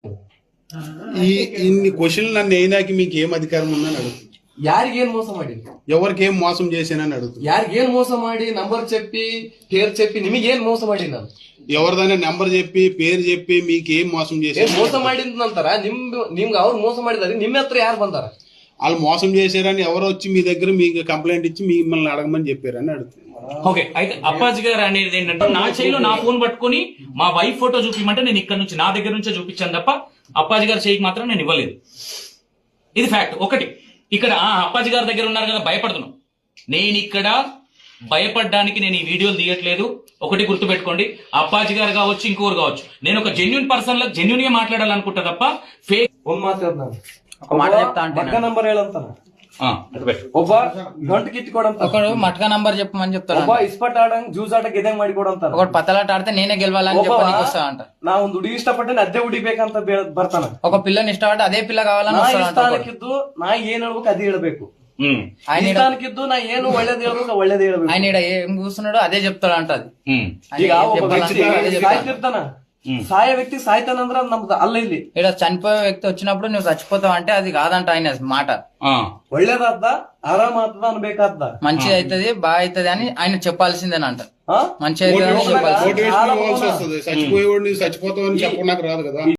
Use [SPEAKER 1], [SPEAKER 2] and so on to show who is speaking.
[SPEAKER 1] ఇన్ని క్వశ్చన్లు నన్ను అయినాకి మీకు ఏం అధికారం ఉందని అడుగుతుంది.
[SPEAKER 2] ಯಾರಿಗೇನ್ ಮೋಸ ಮಾಡಿ,
[SPEAKER 1] ఎవరికి ఏం మోసం చేశానని అడుగుతుంది.
[SPEAKER 2] ಯಾರಿಗೇನ್ ಮೋಸ ಮಾಡಿ ನಂಬರ್ చెప్పి పేరు చెప్పి ನಿಮಗೇನ್ ಮೋಸ ಮಾಡಿ ನಾನು
[SPEAKER 1] ఎవరిదైనా నెంబర్ చెప్పి పేరు చెప్పి మీకు ఏం మోసం చేశారు?
[SPEAKER 2] ಮೋಸ ಮಾಡಿದಂತಾರ ನಿಮ್ಗೆ ಅವ್ರು ಮೋಸ ಮಾಡಿದಾರೆ, ನಿಮ್ಮ ಹತ್ರ ಯಾರು ಬಂದಾರ?
[SPEAKER 1] వాళ్ళు మోసం చేశారని ఎవరు వచ్చి మీ దగ్గర మీకు కంప్లైంట్ ఇచ్చి మిమ్మల్ని అడగమని చెప్పారని అడుగుతుంది.
[SPEAKER 3] ఓకే, అయితే అప్పాజీ గారు అనేది ఏంటంటే నా చేయిలో నా ఫోన్ పట్టుకుని మా వైఫ్ ఫోటో చూపించమంటే నేను ఇక్కడ నుంచి నా దగ్గర నుంచే చూపించాను తప్ప అప్పాజీ గారి చేయికి మాత్రం నేను ఇవ్వలేదు. ఇది ఫ్యాక్ట్. ఒకటి, ఇక్కడ అప్పాజీ గారి దగ్గర ఉన్నారు కదా భయపడుతున్నాం. నేను ఇక్కడ భయపడడానికి నేను ఈ వీడియోలు తీయట్లేదు. ఒకటి గుర్తుపెట్టుకోండి, అప్పాజీ గారు కావచ్చు ఇంకోరు కావచ్చు, నేను ఒక జెన్యున్ పర్సన్ లా జెన్యున్ గా మాట్లాడాలనుకుంటా తప్ప ఫేక్
[SPEAKER 2] ಮಾತಾಡ್ತಾನೆ.
[SPEAKER 4] ఒక మాట చెప్తా అంటే
[SPEAKER 2] ಮಟ್ಟ ನಂಬರ್ ಹೇಳಂತಾನ, ಒಬ್ಬ ಗಂಟು ಕಿತ್ಕೊಡಂತ,
[SPEAKER 4] ఒకడు మట్కా నంబర్ చెప్పమని చెప్తాడు,
[SPEAKER 2] ಒಬ್ಬ ಇಸ್ಪಟ್ ಆಡಂಗ್ ಜ್ಯೂಸ್ ಆಟ ಗೆದಂಗ್ ಮಾಡಿಕೊಡಂತ,
[SPEAKER 4] ఒకడు పతలాట ఆడితే నేనే గెలవాలని చెప్పడానికి వస్తా అంట.
[SPEAKER 2] ನಾ ಒಂದು ಹುಡುಗಿ ಇಷ್ಟಪಟ್ಟೆ ಅದೇ ಹುಡಿಬೇಕಂತ ಬರ್ತಾನ.
[SPEAKER 4] ఒక పిల్లని ఇష్టపడితే అదే పిల్ల కావాలని
[SPEAKER 2] ನಾ ಈ
[SPEAKER 4] వస్తాడంట.
[SPEAKER 2] ಸ್ಥಾನಕ್ಕಿದ್ದು ನಾ ಏನ್ ಹೇಳ್ಬೇಕು ಅದೇ ಹೇಳ್ಬೇಕು,
[SPEAKER 4] ఆయన
[SPEAKER 2] ಈ ಸ್ಥಾನಕ್ಕಿದ್ದು ನಾ ಏನು ಒಳ್ಳೇದ್ ಹೇಳ್ಬೇಕು ಒಳ್ಳೇದ್ ಹೇಳ್ಬೇಕು.
[SPEAKER 4] ఆయన ఈడ ఏం కూర్చున్నాడో అదే చెప్తాడు అంట. అది
[SPEAKER 2] ಈಗ ಒಬ್ಬ ವ್ಯಕ್ತಿ ಸಾಯ್ತಿರ್ತಾನ, సాయ వ్యక్తి సాಯ್ತಾನಂದ್ರ ನಮ್ದು ಅಲ್ಲ. ಇಲ್ಲಿ
[SPEAKER 4] ఇక్కడ చనిపోయే వ్యక్తి వచ్చినప్పుడు నువ్వు చచ్చిపోతావు అంటే అది కాదంట ఆయన మాట.
[SPEAKER 2] ಒಳ್ಳೇದಾದ ಆರಾಮಾದ ಅನ್ಬೇಕಾದ,
[SPEAKER 4] మంచి అవుతుంది బాగా అవుతుంది అని ఆయన చెప్పాల్సిందేనంట. మంచి అవుతుంది అని చెప్పాల్సింది.
[SPEAKER 1] మోటివేషన్ ఇవ్వాల్సి వస్తుంది. చచ్చిపోయేవాడిని చచ్చిపోతావు అని చెప్పడానికి రాదు కదా.